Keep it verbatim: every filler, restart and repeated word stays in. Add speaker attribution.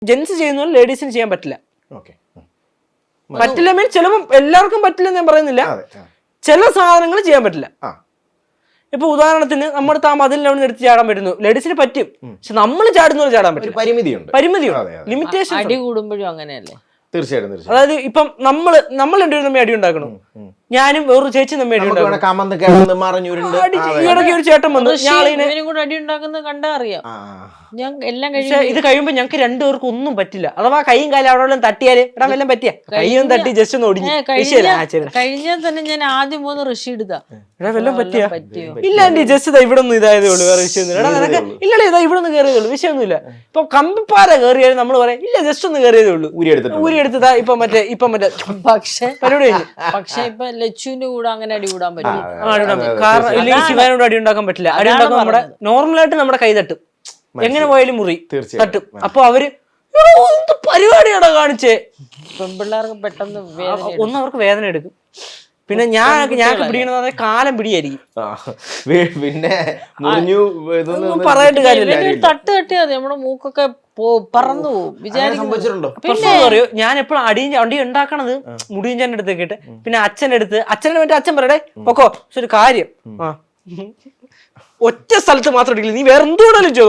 Speaker 1: Gents ചെയ്യുന്ന പോലെ ലേഡീസിന് ചെയ്യാൻ പറ്റില്ല.
Speaker 2: ഓക്കെ.
Speaker 1: പറ്റില്ല മീൻ ചിലപ്പോൾ എല്ലാവർക്കും പറ്റില്ലെന്ന് ഞാൻ പറയുന്നില്ല.
Speaker 2: അതെ. ആ.
Speaker 1: ചില സാധനങ്ങൾ ചെയ്യാൻ പറ്റില്ല.
Speaker 2: ആ.
Speaker 1: ഇപ്പൊ ഉദാഹരണത്തിന് നമ്മുടെ താ മതിലിനവിടെ എടുത്ത് ചാടാൻ പറ്റുന്നു, ലേഡീസിന് പറ്റും. പക്ഷെ നമ്മൾ ചാടുന്ന പോലെ ചാടാൻ
Speaker 2: ഒരു
Speaker 1: പറ്റില്ല.
Speaker 2: പരിമിതിയുണ്ട്.
Speaker 1: പരിമിതിയുണ്ട്, ലിമിറ്റേഷൻ.
Speaker 3: അടി കൂടുമ്പോഴും അങ്ങനെയല്ലേ?
Speaker 2: തീർച്ചയായിട്ടും തീർച്ചയായും.
Speaker 1: അതായത് ഇപ്പം നമ്മള് നമ്മൾ രണ്ടുപേരും തമ്മിൽ അടി ഉണ്ടാക്കണം, ഞാനും വേറൊരു ചേച്ചി തമ്മിൽ അടി
Speaker 2: നമുക്ക്
Speaker 1: ഉണ്ടാക്കണം.
Speaker 2: വേണേ കമന്ന് കിടന്ന് മറിഞ്ഞുരുണ്ട്.
Speaker 1: ഈയിടയ്ക്ക് ഒരു ചേട്ടൻ വന്നു, ഞാളിനെ
Speaker 3: ഇവനും കൂടെ അടി ഉണ്ടാക്കുന്നത് കണ്ടാ അറിയാം. ഞാൻ എല്ലാം
Speaker 1: പക്ഷെ
Speaker 3: കഴിഞ്ഞു
Speaker 1: ഇത് കഴിയുമ്പോ ഞങ്ങൾക്ക് രണ്ടുപേർക്കും ഒന്നും പറ്റില്ല. അഥവാ കൈയും കാലും അവിടെ വല്ലതും തട്ടിയാല് എടാ വല്ലതും പറ്റിയ കൈയും തട്ടി ജസ്റ്റ് ഒന്ന് ഒടിഞ്ഞു
Speaker 3: കഴിഞ്ഞാൽ തന്നെ ഞാൻ ആദ്യം മൂന്ന് ഋഷി എടുത്താ
Speaker 1: എടാ വല്ലതും പറ്റിയ
Speaker 3: പറ്റിയോ
Speaker 1: ഇല്ല ആന്റി ജസ്റ്റ് ഇതാ ഇവിടെ ഒന്നും ഇതായതേ ഉള്ളൂ, വേറെ വിഷയമൊന്നുമില്ല. എടാ നിനക്ക് ഇല്ലടേ ഇതാ ഇവിടെ ഒന്ന് കയറിയതേ ഉള്ളൂ, വിഷയമൊന്നുമില്ല. ഇപ്പൊ കമ്പിപ്പാറ കയറിയാലും നമ്മൾ പറയാം ഇല്ല ജസ്റ്റ് ഒന്ന് കയറിയതേ ഉള്ളൂ,
Speaker 2: ഊരി എടുത്തിട്ട്
Speaker 1: ഊരി എടുത്തതാ ഇപ്പൊ മറ്റേ ഇപ്പൊ മറ്റേ
Speaker 3: പക്ഷെ
Speaker 1: പരിപാടി കഴിഞ്ഞു.
Speaker 3: പക്ഷെ ഇപ്പൊ ലച്ചുവിന്റെ കൂടെ അങ്ങനെ അടി കൂടാൻ പറ്റും.
Speaker 1: ആ, അടി ഉണ്ടാക്കും. കാരണം ഇല്ലെങ്കിൽ ശിവാനോട് അടി ഉണ്ടാക്കാൻ പറ്റില്ല. അടി ഉണ്ടാക്കാൻ നമ്മുടെ നോർമലായിട്ട് നമ്മുടെ കൈ തട്ടും, എങ്ങനെ പോയാലും മുറി തട്ടും. അപ്പൊ അവര് എന്ത് പരിപാടിയാണോ കാണിച്ചേ.
Speaker 3: പെൺപിള്ളേർക്ക് പെട്ടെന്ന് വേദന
Speaker 1: ഒന്ന് അവർക്ക് വേദന എടുക്കും. പിന്നെ ഞാൻ ഞാൻ പിടിക്കണത് കാലം പിടിയായിരിക്കും.
Speaker 2: പിന്നെ മുറിഞ്ഞു ഇതൊന്നും
Speaker 1: പറയായിട്ട് കാര്യമില്ല.
Speaker 3: തട്ട് തട്ടിയാ മതി, നമ്മുടെ മൂക്കൊക്കെ പറന്നു പോകും വിചാരിക്കുന്നുണ്ടോ.
Speaker 1: പ്രശ്നം പറയൂ, ഞാൻ എപ്പോഴും അടിയും അടി ഉണ്ടാക്കണത് മുടിയഞ്ചാൻ്റെ അടുത്ത് കേട്ട്, പിന്നെ അച്ഛൻ്റെ അടുത്ത് അച്ഛനെ മറ്റേ അച്ഛൻ പറയടേ പൊക്കോ. പക്ഷെ ഒരു കാര്യം, ആ ഒറ്റ സ്ഥലത്ത് മാത്രം അടിക്കില്ല, നീ വേറെ എന്തുകൊണ്ടാലും